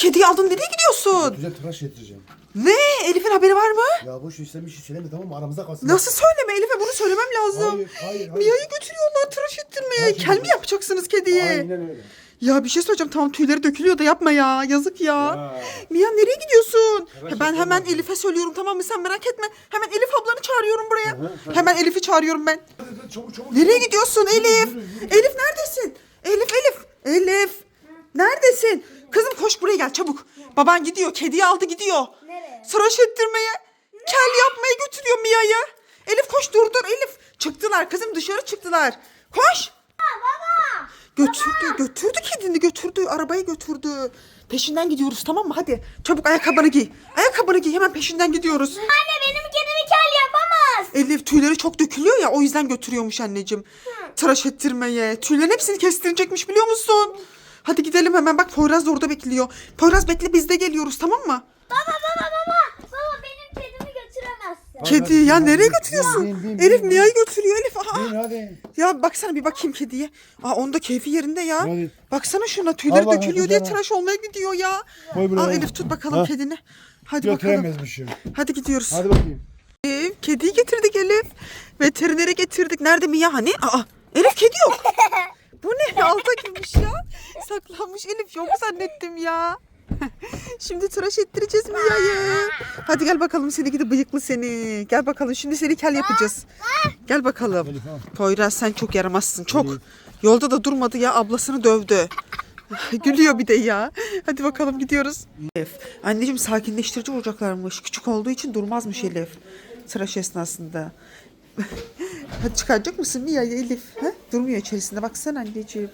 kediyi aldın, nereye gidiyorsun? Güzel tıraş getireceğim. Ne? Elif'in haberi var mı? Ya boş işlem bir şey söyleme, tamam mı? Aramızda kalsın. Nasıl söyleme Elif'e, bunu söylemem lazım. Hayır. Mia'yı götürüyorlar tıraş ettirmeye. Hayır. Kel mi yapacaksınız kediye? Aynen öyle. Ya bir şey söyleyeceğim, tamam tüyleri dökülüyor da yapma ya, yazık ya. Mia nereye gidiyorsun? Ben hemen Elif'e söylüyorum, tamam mı, sen merak etme. Hemen Elif ablanı çağırıyorum buraya. Hemen Elif'i çağırıyorum ben. Çabuk. Nereye gidiyorsun Elif? Elif neredesin? Elif. Neredesin? Kızım koş buraya gel çabuk. Baban gidiyor, kediyi aldı gidiyor. Nereye? Tıraş ettirmeye. Kel yapmaya götürüyor Mia'yı. Elif koş, dur Elif. Çıktılar kızım, dışarı çıktılar. Koş. Baba. Götürdü kedini, götürdü, arabaya götürdü. Peşinden gidiyoruz, tamam mı? Hadi çabuk ayakkabını giy. Hemen peşinden gidiyoruz. Anne benim kedimi kel yapamaz. Elif tüyleri çok dökülüyor ya, o yüzden götürüyormuş anneciğim. Tıraş ettirmeye. Tüylerin hepsini kestirecekmiş, biliyor musun? Hadi gidelim hemen, bak Poyraz da orada bekliyor. Poyraz bekle, biz de geliyoruz, tamam mı? Baba benim kedimi götüremezsin. Kedi ya, nereye götürüyorsun? Bin. Elif Mia'yı götürüyor Elif. Bin hadi. Ya baksana, bir bakayım kediye. Onda keyfi yerinde ya. Hadi. Baksana şuna, tüyleri Allah dökülüyor diye kucağına. tıraş olmaya gidiyor ya. Koy buraya. Al Elif, tut bakalım Ha. kedini. Hadi bakalım. Götüremezmişim. Hadi gidiyoruz. Hadi bakayım. Elif, kediyi getirdik Elif. Veterinere getirdik. Nerede Mia hani? Elif kedi yok. Bu ne? Alta girmiş ya. Saklanmış, Elif yok zannettim ya. Şimdi tıraş ettireceğiz Mia'yı. Hadi gel bakalım, seni gidi bıyıklı seni. Gel bakalım, şimdi seni kel yapacağız. Gel bakalım. Elif, al. Poyraz sen çok yaramazsın, çok. Yolda da durmadı ya, ablasını dövdü. Gülüyor bir de ya. Hadi bakalım gidiyoruz. Elif, anneciğim sakinleştirici olacaklarmış. Küçük olduğu için durmazmış Elif. Tıraş esnasında. Hadi çıkaracak mısın Mia'yı Elif? Ha? Durmuyor içerisinde, baksana anneciğim.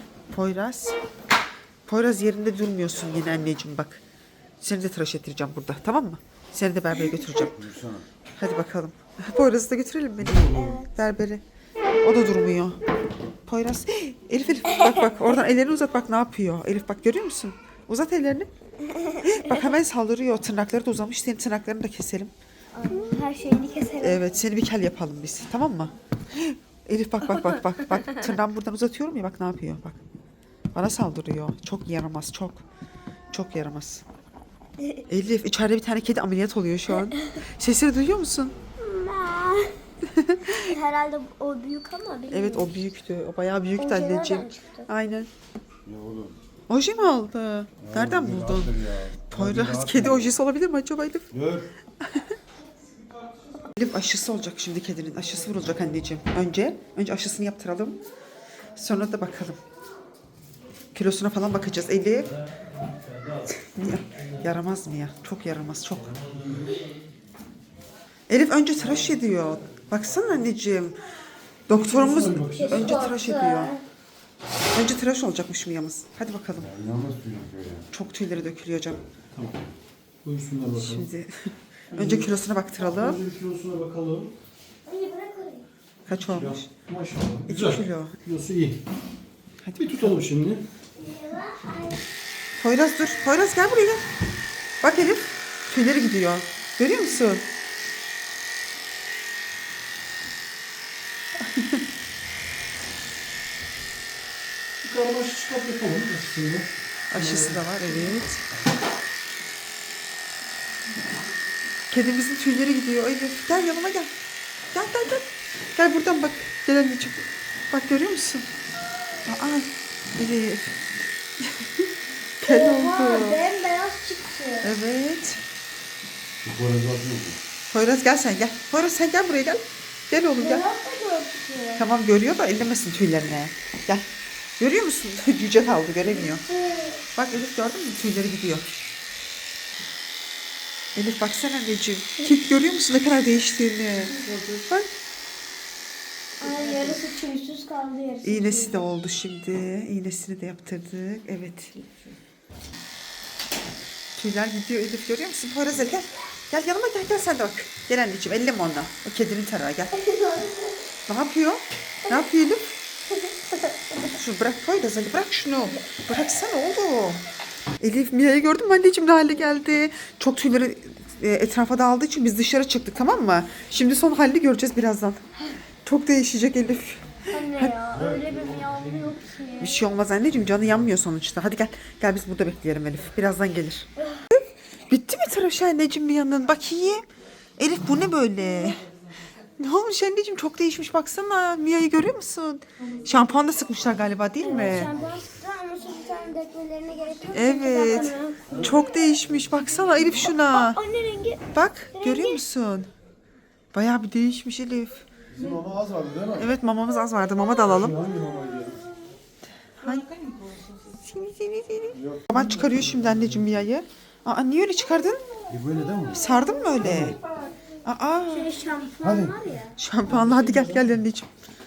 Poyraz yerinde durmuyorsun yine anneciğim, bak. Seni de tıraş ettireceğim burada, tamam mı? Seni de berbere götüreceğim. Hadi bakalım. Poyraz'ı da götürelim beni. Berbere. O da durmuyor. Poyraz. Elif bak oradan ellerini uzat, bak ne yapıyor. Elif bak, görüyor musun? Uzat ellerini. Bak hemen saldırıyor. Tırnakları da uzamış. Senin tırnaklarını da keselim. Her şeyini keserim. Evet, seni bir kel yapalım biz. Tamam mı? Elif bak. Bak tırnağımı buradan uzatıyorum ya, bak ne yapıyor bak. Bana saldırıyor. Çok yaramaz, çok. Çok yaramaz. Elif, içeride bir tane kedi ameliyat oluyor şu an. Sesini duyuyor musun? Herhalde o büyük ama bilmiyorum. Evet, o büyüktü. O bayağı büyüktü Oje anneciğim. nereden çıktı? Aynen. Ya oğlum. Oje mi aldı? Nereden bir buldun? rahattır ya. Poyraz, Hadi kedi rahat ojesi olabilir mi acaba Elif? Dur. Elif aşısı olacak şimdi, kedinin aşısı vurulacak anneciğim. Önce aşısını yaptıralım. Sonra da bakalım. Kilosuna falan bakacağız Elif. Yaramaz mı ya? Çok yaramaz, çok. Elif önce tıraş ediyor. Baksana anneciğim. Doktorumuz önce tıraş ediyor. Önce tıraş olacakmış Mia'mız. Hadi bakalım. İnanılmaz tüyler böyle. Çok tüyleri dökülüyor canım. Buyursunlar bakalım. Şimdi önce kilosuna baktıralım. Önce kilosuna bakalım. Anne bırak orayı. Kaç olmuş? Maşallah. 2 Güzel. kilo. Kilosu iyi. Hadi Bir tutalım şimdi. Poyraz dur. Poyraz gel buraya gel. Bak Elif. Tüyleri gidiyor. Görüyor musun? Bir karmaşık çıkart yapalım aslında. Aşısı da var, evet. Kedimizin tüyleri gidiyor Elif. Gel yanıma gel. Gel. Gel buradan bak. Gel anneciğim. Bak görüyor musun? Elif. Kel oldu. Bembeyaz çıktı. Evet. Şu boyazı atıyor. Poyraz gel sen gel. Poyraz sen gel buraya gel. Gel oğlum gel. Beyaz da gördü. Tamam, görüyor da ellemesin tüylerine. Gel. Görüyor musun? Cüce kaldı, göremiyor. Bak Elif, gördün mü? Tüyleri gidiyor. Elif baksana anneciğim. Kek görüyor musun ne kadar değiştiğini? Bak. Ay yarısı tüysüz kaldı yarısı. İğnesi de oldu şimdi. İğnesini de yaptırdık. Evet. Tüyler gidiyor Elif, görüyor musun? Poyraz gel. Gel yanıma gel sen de bak. Gel anneciğim, elleme ona. O kedinin tarağı gel. Ne yapıyor? Ne yapıyor Elif? Şu bırak Poyraz, hadi bırak şunu. Bıraksana oğlum. Elif, Mia'yı gördün mü anneciğim, ne hale geldi? Çok tüyleri etrafa dağıldığı için biz dışarı çıktık, tamam mı? Şimdi son halini göreceğiz birazdan. Çok değişecek Elif. Anne ya öyle bir miyavlıyor ki. Bir şey olmaz anneciğim, canı yanmıyor sonuçta. Hadi gel. Gel biz burada bekleyelim Elif. Birazdan gelir. Bitti mi tıraş anneciğim bir yandan? Bakayım. Elif bu ne böyle? Ne olmuş anneciğim? Çok değişmiş baksana. Mia'yı görüyor musun? Şampuan da sıkmışlar galiba değil mi? Şampuan sıktı ama şu bir tane dökmelerine gerek yok. Evet. Çok değişmiş. Baksana Elif şuna. Anne rengi. Bak görüyor musun? Bayağı bir değişmiş Elif. Bizim ama az vardı değil mi? Evet mamamız az vardı. Mama da alalım. Hangi mamaydı? Seni. Baban çıkarıyor şimdi anneciğim Mia'yı. Aa niye öyle çıkardın? Böyle değil mi? Sardın mı öyle? Aa Şöyle şampuan var ya. şampuanla hadi gel anneciğim.